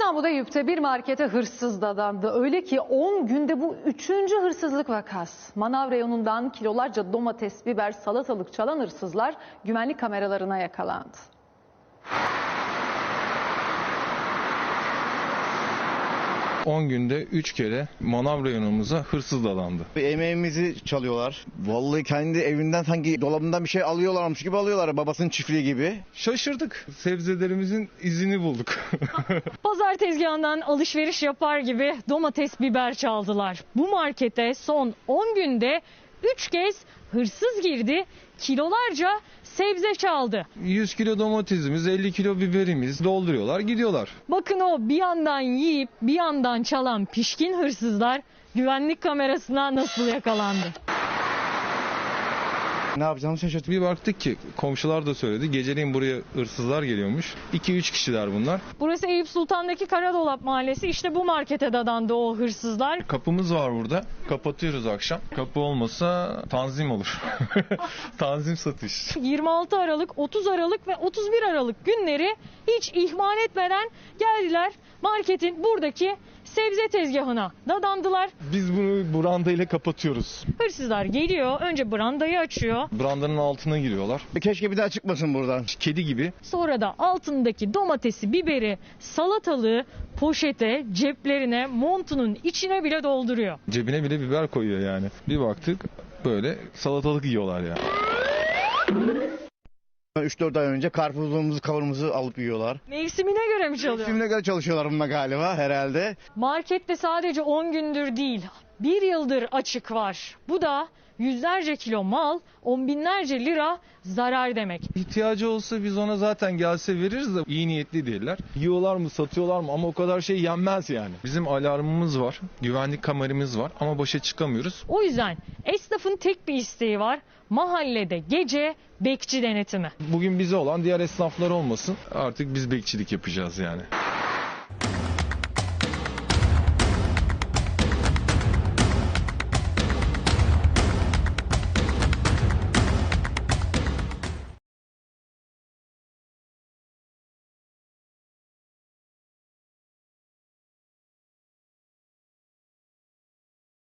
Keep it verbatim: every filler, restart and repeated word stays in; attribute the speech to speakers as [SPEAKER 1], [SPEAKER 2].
[SPEAKER 1] İstanbul'da Eyüp'te bir markete hırsız dadandı. Öyle ki on günde bu üçüncü hırsızlık vakası. Manav reyonundan kilolarca domates, biber, salatalık çalan hırsızlar güvenlik kameralarına yakalandı.
[SPEAKER 2] on günde üç kere manav reyonumuza hırsız dadandı.
[SPEAKER 3] Emeğimizi çalıyorlar. Vallahi kendi evinden sanki dolabından bir şey alıyorlarmış gibi alıyorlar. Babasının çiftliği gibi.
[SPEAKER 2] Şaşırdık. Sebzelerimizin izini bulduk.
[SPEAKER 4] Pazar tezgahından alışveriş yapar gibi domates, biber çaldılar. Bu markete son on günde üç kez hırsız girdi, kilolarca sebze çaldı.
[SPEAKER 2] yüz kilo domatesimiz, elli kilo biberimiz dolduruyorlar, gidiyorlar.
[SPEAKER 4] Bakın o bir yandan yiyip bir yandan çalan pişkin hırsızlar güvenlik kamerasına nasıl yakalandı?
[SPEAKER 3] Ne yapacağımızı şaşırdık.
[SPEAKER 2] Bir baktık ki komşular da söyledi. Geceleyin buraya hırsızlar geliyormuş. iki üç kişiler bunlar.
[SPEAKER 4] Burası Eyüp Sultan'daki Karadolap Mahallesi. İşte bu markete dadandı o hırsızlar.
[SPEAKER 2] Kapımız var burada. Kapatıyoruz akşam. Kapı olmasa tanzim olur. Tanzim satış.
[SPEAKER 4] yirmi altı Aralık, otuz Aralık ve otuz bir Aralık günleri hiç ihmal etmeden geldiler marketin buradaki sebze tezgahına dadandılar.
[SPEAKER 2] Biz bunu brandayla kapatıyoruz.
[SPEAKER 4] Hırsızlar geliyor, önce brandayı açıyor.
[SPEAKER 2] Brandanın altına giriyorlar.
[SPEAKER 3] Keşke bir daha çıkmasın buradan.
[SPEAKER 2] Kedi gibi.
[SPEAKER 4] Sonra da altındaki domatesi, biberi, salatalığı poşete, ceplerine, montunun içine bile dolduruyor.
[SPEAKER 2] Cebine bile biber koyuyor yani. Bir baktık böyle salatalık yiyorlar yani.
[SPEAKER 3] üç dört ay önce karpuzumuzu, kavurumuzu alıp yiyorlar.
[SPEAKER 4] Mevsimine göre mi çalıyor?
[SPEAKER 3] Kimine göre çalışıyorlar bununla galiba herhalde.
[SPEAKER 4] Markette sadece on gündür değil, bir yıldır açık var. Bu da yüzlerce kilo mal, on binlerce lira zarar demek.
[SPEAKER 2] İhtiyacı olsa biz ona zaten gelse veririz de iyi niyetli değiller. Yiyorlar mı, satıyorlar mı ama o kadar şey yenmez yani. Bizim alarmımız var, güvenlik kameramız var ama başa çıkamıyoruz.
[SPEAKER 4] O yüzden esnafın tek bir isteği var. Mahallede gece bekçi denetimi.
[SPEAKER 2] Bugün bize olan diğer esnaflar olmasın. Artık biz bekçilik yapacağız yani.